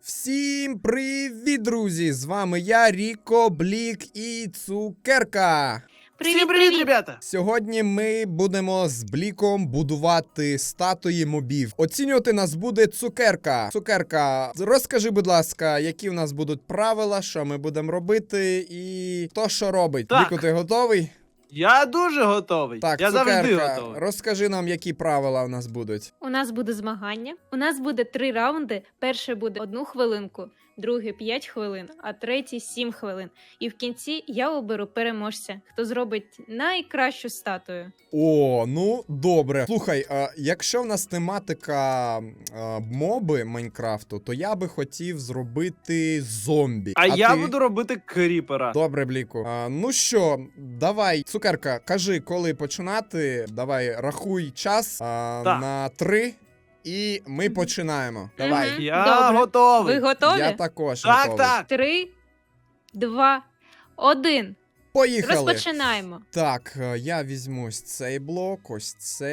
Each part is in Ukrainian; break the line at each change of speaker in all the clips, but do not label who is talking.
Всім привіт, друзі! З вами я, Ріко, Блік і Цукерка.
Всім привіт, ребята!
Сьогодні ми будемо з Бліком будувати статуї мобів. Оцінювати нас буде Цукерка. Цукерка, розкажи, будь ласка, які в нас будуть правила, що ми будемо робити і хто що робить.
Так.
Бліку, ти готовий?
Я дуже готовий.
Так,
я завжди
Цукерка,
готовий.
розкажи нам, які правила у нас будуть.
У нас буде змагання. У нас буде 3 раунди. Перший буде 1 хвилинку, другий 5 хвилин, а третій 7 хвилин. І в кінці я оберу переможця, хто зробить найкращу статую.
О, ну добре. Слухай, якщо в нас тематика моби Майнкрафту, то я би хотів зробити зомбі.
А я
ти?
буду робити кріпера.
Добре, Бліку. Ну що, давай, Цукерка, кажи, коли починати. Давай, рахуй час на 3, і ми починаємо. Давай.
Мгм.
Я
Добре.
готовий.
Ви готові?
Я також
Так,
готовий.
так.
3, 2, 1.
Поїхали.
Розпочинаємо.
Так, я візьму ось цей блок, ось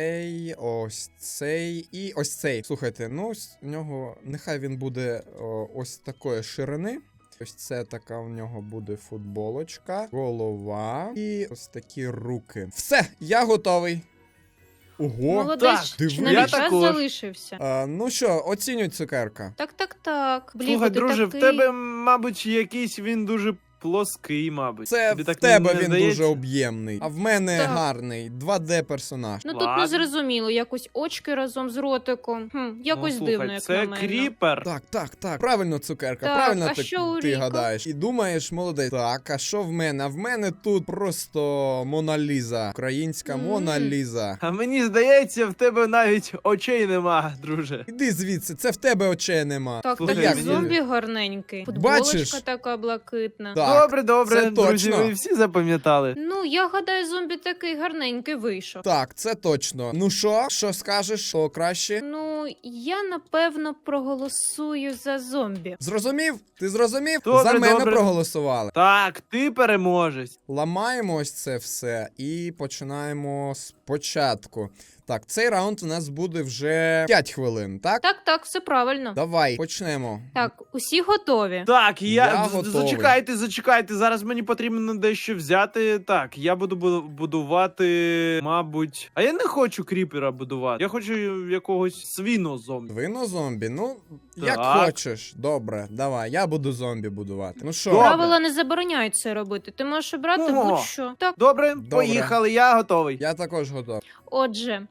цей і ось цей. Слухайте, ну ось у нього, нехай він буде ось такої ширини. Ось це така у нього буде футболочка, голова і ось такі руки. Все, я готовий. Ого.
Молодець,
диви.
чи навіть
Я
час
також.
залишився.
Ну що, оцінюй, Цукерка.
Так. Блін,
Слухай,
ти
друже,
такий...
в тебе, мабуть, якийсь він дуже плоский, мабуть.
Це
Тобі
в
так
тебе
не
він
здається?
дуже об'ємний, а в мене
Так.
гарний 2D персонаж.
Ну тут
Ладно.
не зрозуміло, якось очки разом з ротиком. Якось
Ну, слухай,
дивно, як
це
на мене.
кріпер.
Так. Правильно, Цукерка,
Так,
правильно
а що у
ти
Ріко?
гадаєш. І думаєш, молодець. Так, а що в мене? А в мене тут просто Мона Ліза. Українська Мона Ліза.
А мені здається, в тебе навіть очей нема, друже.
Іди звідси, це в тебе очей нема.
Так,
Слухай,
такий
як
зомбі гарненький. Футболочка
Бачиш?
така блакитна.
Так,
Добре,
це
друзі,
точно.
ви всі запам'ятали.
Ну, я гадаю, зомбі такий гарненький вийшов.
Так, це точно. Ну що скажеш, що краще?
Ну, я напевно проголосую за зомбі.
Зрозумів? Ти зрозумів?
Добре,
За мене
добре.
проголосували.
Так, ти переможець.
Ламаємо ось це все і починаємо спочатку. Так, цей раунд у нас буде вже 5 хвилин, так?
Так, все правильно.
Давай, почнемо.
Так, усі готові.
Так,
Я готовий.
зачекайте, зараз мені потрібно дещо взяти. Так, я буду будувати, мабуть. А я не хочу кріпера будувати. Я хочу якогось свіно-зомбі.
Свино-зомбі? Ну, як
Так.
хочеш. Добре, давай, я буду зомбі будувати. Ну що?
Добре.
Правила не забороняють це робити. Ти можеш обрати
Ого.
будь-що. Так,
Добре, поїхали, я готовий.
Я також готовий.
отже,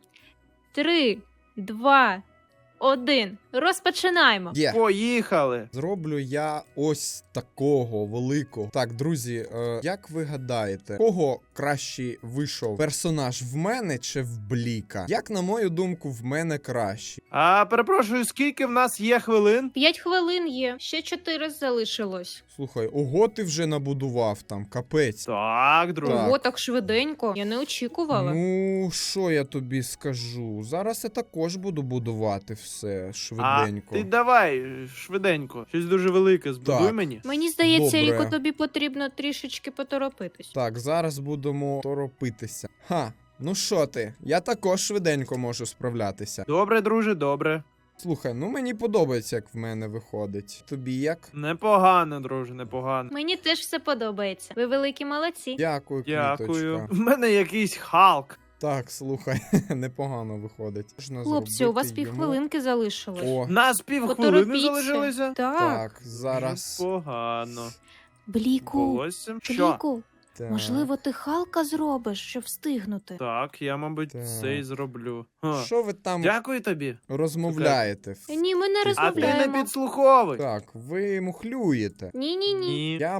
3, 2, 1. Розпочинаємо.
Є.
Поїхали.
Зроблю я ось такого великого. Так, друзі, як ви гадаєте, кого краще вийшов персонаж, в мене чи в Бліка? Як на мою думку, в мене краще.
А перепрошую, скільки в нас є хвилин?
5 хвилин є, ще 4 залишилось.
Слухай, ого, ти вже набудував там, капець.
Так, друже.
Так.
Ого, так швиденько. Я не очікувала.
Ну, що я тобі скажу? Зараз я також буду будувати все
А
швиденько.
ти давай швиденько. Щось дуже велике збудуй
Так.
мені.
Мені здається,
Добре.
Ріко, тобі потрібно трішечки поторопитись.
Так, зараз будемо торопитися. Ха, ну що ти? Я також швиденько можу справлятися.
Добре, друже, добре.
Слухай, ну мені подобається, як в мене виходить. Тобі як?
Непогано, друже, непогано.
Мені теж все подобається. Ви великі молодці.
Дякую,
Дякую.
квіточка.
В мене якийсь Халк.
Так, слухай, непогано виходить. Можна
Хлопці, у вас
зробити йому-
півхвилинки залишилось.
О,
Нас півхвилини
Поторопіться.
залишилося.
Так.
так, зараз.
Непогано.
Бліку,
Волоссям. Що?
Бліку,
Так.
можливо, ти Халка зробиш, щоб встигнути.
Так, я, мабуть,
Так.
це і зроблю. Ха.
Що ви там
Дякую тобі.
розмовляєте?
Ні, ми не
А ти не
розмовляємо.
підслуховуй.
Так, ви мухлюєте.
Ні.
Ні.
Я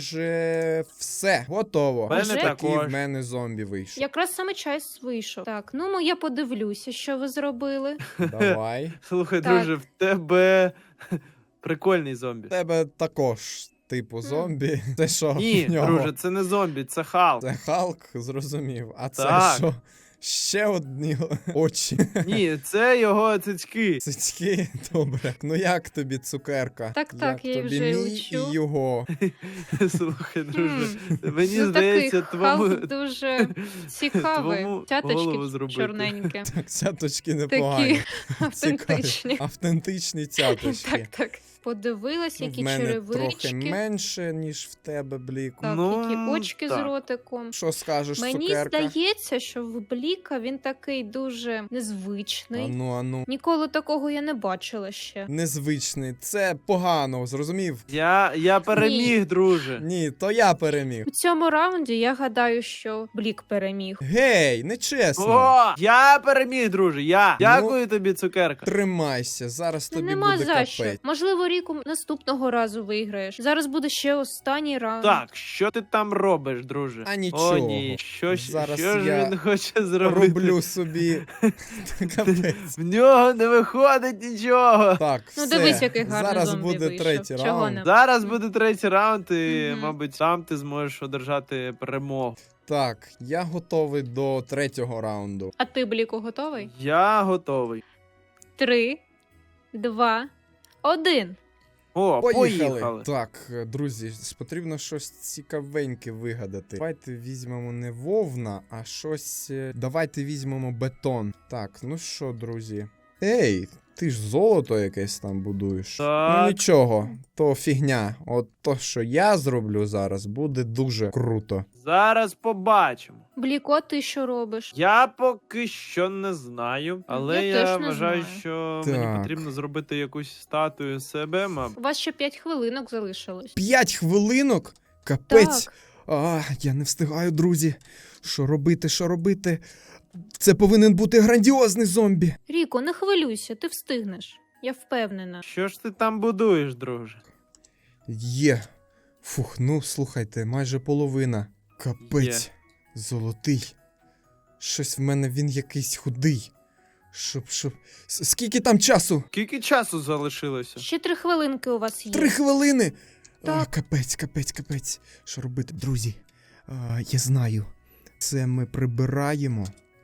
майже все готово.
В мене
Вже?
Такий
також.
в мене зомбі вийшов.
Якраз саме час вийшов. Так, ну я подивлюся, що ви зробили.
Давай.
Слухай,
Так.
друже, в тебе прикольний зомбі.
В тебе також типу зомбі. Це що?
Ні,
в нього?
друже, це не зомбі, це Халк.
Це Халк, зрозумів. А це
Так.
що? Ще одні очі.
Ні, це його цицьки.
Цицьки, добре. Ну як тобі, Цукерка?
Так,
Як
я
тобі
вже
мій
учу.
і його?
Слухай, друже,
Хм.
мені
Ну,
здається,
такий
твому...
Халк дуже цікавий.
твому
Цяточки
голову зробити.
чорненькі.
Так, цяточки непогані.
Такі автентичні.
Автентичні цяточки.
Так. Подивилась,
Ну,
які
в мене
черевички.
трохи менше, ніж в тебе, Бліку.
Так,
Ну,
які очки з
так.
ротиком.
Що скажеш,
Мені
цукерка?
здається, що в Бліка він такий дуже незвичний.
Ану.
Ніколи такого я не бачила ще.
Незвичний. Це погано, зрозумів?
Я переміг, друже.
Ні, то я переміг.
У цьому раунді я гадаю, що Блік переміг.
Гей, нечесно.
О, я переміг, друже. Я. Дякую тобі, цукерка.
Тримайся, зараз тобі
Нема
буде
за що.
капець.
Можливо, Ріку наступного разу виграєш. Зараз буде ще останній раунд.
Так, що ти там робиш, друже?
А нічого.
О, ні. Що
Зараз
ж
я
він хоче зробити?
Роблю собі капець.
В нього не виходить нічого.
Так,
Ну,
все.
дивись, який гарний
Зараз
зомбі
буде
вийшов.
третій
Чого
раунд.
не?
Зараз буде третій раунд, і,
Мгм.
мабуть, сам ти зможеш одержати перемогу.
Так, я готовий до третього раунду.
А ти, Бліку, готовий?
Я готовий.
3, 2, 1.
О, поїхали.
Так, друзі, потрібно щось цікавеньке вигадати. Давайте візьмемо не вовна, а щось. Давайте візьмемо бетон. Так, ну що, друзі. Ей, ти ж золото якесь там будуєш.
Так.
Ну нічого, то фігня. От то, що я зроблю зараз, буде дуже круто.
Зараз побачимо.
Бліко, ти що робиш?
Я поки що не знаю, але
Я
я,
теж не
вважаю,
знаю.
що
Так.
мені потрібно зробити якусь статую себе, мабуть.
У вас ще 5 хвилинок залишилось.
5 хвилинок? Капець.
Так.
Я не встигаю, друзі. Що робити, що робити? Це повинен бути грандіозний зомбі.
Ріко, не хвилюйся, ти встигнеш. Я впевнена.
Що ж ти там будуєш, друже?
Є. Фух, ну слухайте, майже половина. Капець. Золотий. Щось в мене він якийсь худий. Щоб. Скільки там часу?
Скільки часу залишилося?
Ще 3 хвилинки у вас є.
3 хвилини.
Так.
Капець. Що робити, друзі? Я знаю. Це ми прибираємо.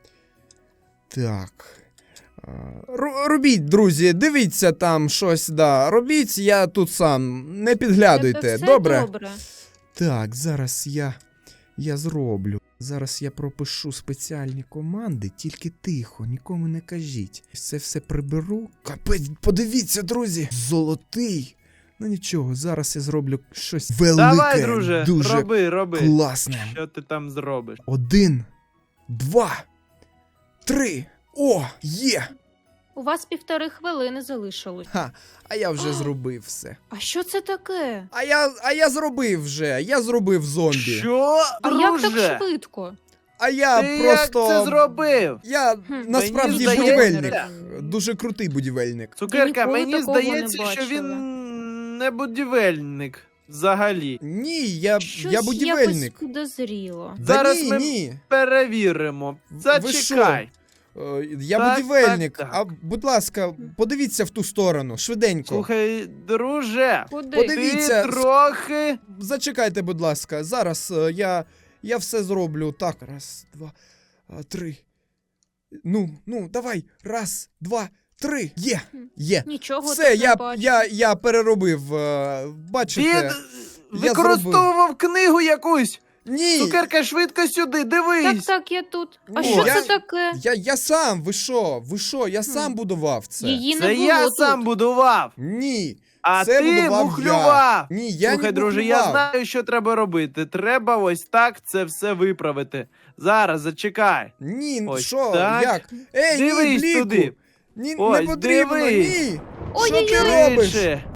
Так. Робіть, друзі, дивіться там щось, да. Робіть, я тут сам. Не підглядуйте,
Це все
добре?
добре.
Так, зараз я зроблю. Зараз я пропишу спеціальні команди, тільки тихо, нікому не кажіть. Це все приберу. Капець, подивіться, друзі! Золотий! Ну нічого, зараз я зроблю щось велике,
Давай, друже,
дуже
роби.
класне.
Що ти там зробиш?
1, 2, 3. О, є!
У вас 1,5 хвилини залишилось.
Ха, а я вже зробив все.
А що це таке?
А я зробив вже, я зробив зомбі.
Що?
А як так
Друже?
швидко?
А я
Ти
просто...
як це зробив?
Я насправді
Мені
будівельник.
здається-
Дуже крутий будівельник.
Цукерка,
ніколи
мені
такого не
здається, що
бачила.
він не будівельник взагалі.
Ні, я
Щось
будівельник.
якось підозріло.
Да
Зараз
ні,
ми-
ні.
Перевіримо.
Ви
Зачекай.
Я
Так,
будівельник.
так.
А будь ласка, подивіться в ту сторону, швиденько.
Слухай, друже,
Куди?
Подивіться.
ти трохи.
Зачекайте, будь ласка. Зараз я все зроблю. Так, раз, два, 3. Ну, давай. Раз, два, 3. Є.
Нічого
Все,
тут не бачу.
я переробив. Бачите?
Він
я
використовував книгу якусь.
Ні.
Цукерка, швидко сюди, дивись.
Так, я тут. А
Ну,
що
я-
це таке?
Я сам, ви що? Я сам будував це.
Її не
Це
було
я
тут.
сам будував.
Ні.
А
Це
ти
будував
мухлював.
я. Ні, я
Слухай,
не
друже, я
мухлював.
знаю, що треба робити. Треба ось так це все виправити. Зараз, зачекай.
Ні,
Ось
що?
так.
Як? Ей,
Дивись
ні, Бліку.
туди.
Ні,
Ось,
не потрібно,
дивись.
ні. Що
Ой-ой-ой.
ти робиш?
Швидше.